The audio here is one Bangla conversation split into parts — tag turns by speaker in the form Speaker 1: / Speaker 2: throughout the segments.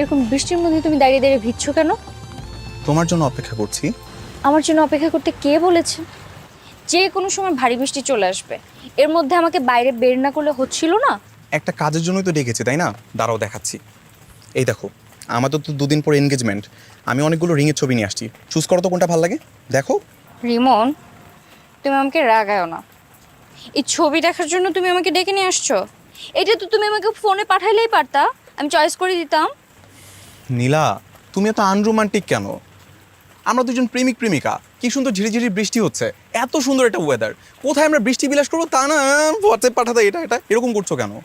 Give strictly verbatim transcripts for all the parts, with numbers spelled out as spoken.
Speaker 1: এরকম বৃষ্টির মধ্যে তুমি দাঁড়িয়ে দাঁড়িয়ে ভিজছো কেন?
Speaker 2: তোমার জন্য অপেক্ষা করছি।
Speaker 1: আমার জন্য অপেক্ষা করতে কে বলেছে? যে কোনো সময় ভারী বৃষ্টি চলে আসবে, এর মধ্যে আমাকে বাইরে বের না করলে হচ্ছিল না?
Speaker 2: একটা কাজের জন্যই তো ডেকেছি, তাই না? দাঁড়াও দেখাচ্ছি। এই দেখো, আমাদের তো দুদিন পর এনগেজমেন্ট। আমি অনেকগুলো রিংয়ের ছবি নিয়ে আসছি, চুজ করো তো কোনটা ভালো লাগে। দেখো।
Speaker 1: রিমন, তুমি আমাকে রাগায়ো না। এই ছবি দেখার জন্য তুমি আমাকে ডেকে নিয়ে আসছো? এটা তো তুমি আমাকে ফোনে পাঠাইলেই পারতা, আমি চয়েস করে দিতাম।
Speaker 2: নীলা, তুমি এত আনরোমান্টিক কেন? আমরা দুজন প্রেমিক প্রেমিকা, কি সুন্দর ঝিরিঝিরি বৃষ্টি হচ্ছে, এত সুন্দর একটা ওয়েদার, কোথায় আমরা বৃষ্টি বিলাস করবো তা না, হোয়াটসঅ্যাপ পাঠাতে এটা এটা এরকম করছো কেন?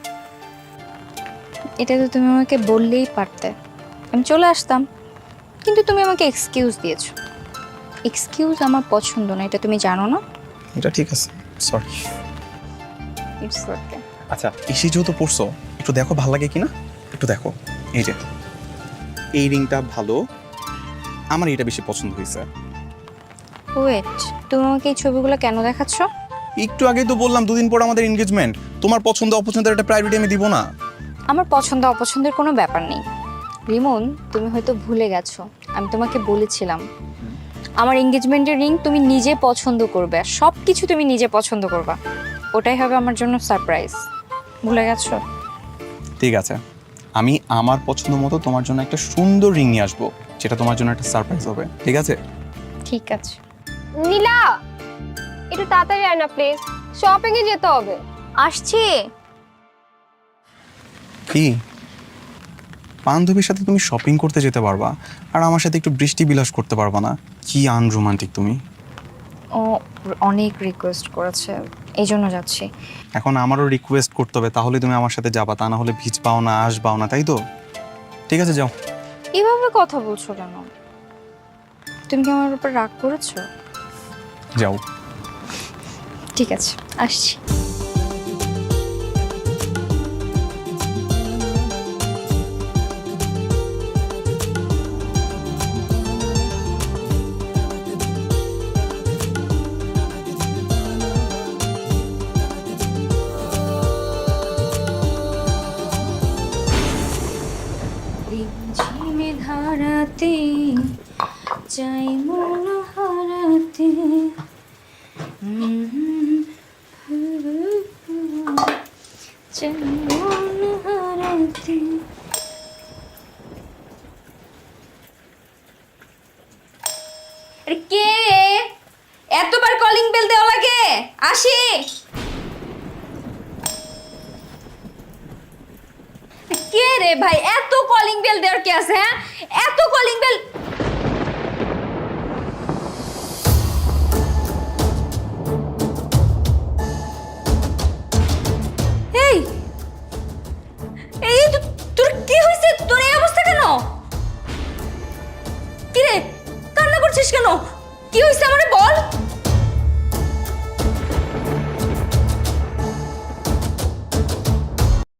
Speaker 1: এটা তো তুমি আমাকে বললেই পারতে, আমি চলে আসতাম। কিন্তু তুমি আমাকে এক্সকিউজ দিয়েছো। এক্সকিউজ আমার পছন্দ না, এটা তুমি জানো না?
Speaker 2: এটা ঠিক আছে, সরি।
Speaker 1: It's okay.
Speaker 2: আচ্ছা, এসে যেহেতু পড়ছো, একটু দেখো ভালো লাগে কিনা, একটু দেখো। এই যে এই রিংটা ভালো, আমার এটা বেশি পছন্দ হয়েছে।
Speaker 1: ওয়েট, তুমি আমাকে এই ছবিগুলো কেন দেখাচ্ছ?
Speaker 2: একটু আগেই তো বললাম দুদিন পর আমাদের এনগেজমেন্ট, তোমার পছন্দ অপছন্দের একটা প্রায়োরিটি আমি দিব না?
Speaker 1: আমার পছন্দ অপছন্দের কোনো ব্যাপার নেই। রিমন, তুমি হয়তো ভুলে গেছো, আমি তোমাকে বলেছিলাম আমার এঙ্গেজমেন্টের রিং তুমি নিজে পছন্দ করবে, আর সব কিছু তুমি নিজে পছন্দ করবা। ওটাই হবে আমার জন্য সারপ্রাইজ। ভুলে গেছো?
Speaker 2: ঠিক আছে, আমি আমার পছন্দ মতো তোমার জন্য একটা সুন্দর রিং নিয়ে আসবো, যেটা তোমার জন্য একটা সারপ্রাইজ হবে, ঠিক আছে?
Speaker 1: ঠিক আছে।
Speaker 3: নীলা, একটু তাড়াতাড়ি আয় না প্লিজ, শপিং এ যেতে হবে।
Speaker 1: আসছি।
Speaker 2: কি বান্ধবীর সাথে তুমি শপিং করতে যেতে পারবা, আর আমার সাথে একটু বৃষ্টি বিলাস করতে পারবা না? কি আনরোমান্টিক তুমি।
Speaker 1: ও অনেক রিকোয়েস্ট করেছে, এই জন্য যাচ্ছি।
Speaker 2: এখন আমারও রিকোয়েস্ট করতে হবে, তাহলে তুমি আমার সাথে যাবা, তা না হলে ভিজ পাও না, আস পাও না, তাই তো? ঠিক আছে, যাও।
Speaker 1: এভাবে কথা বলছো কেন? তুমি কি আমার উপর রাগ করেছো?
Speaker 2: যাও।
Speaker 1: ঠিক আছে, আসছি। ঝিমে ধারাতে চাই মন হারাতে, চাই মন হারাতে। আরে কে? এতবার কলিং বেল দেওয়া লাগে? আসি। কে রে ভাই, এত কলিং বেল দেওয়ার কি আছে? হ্যাঁ, এত কলিং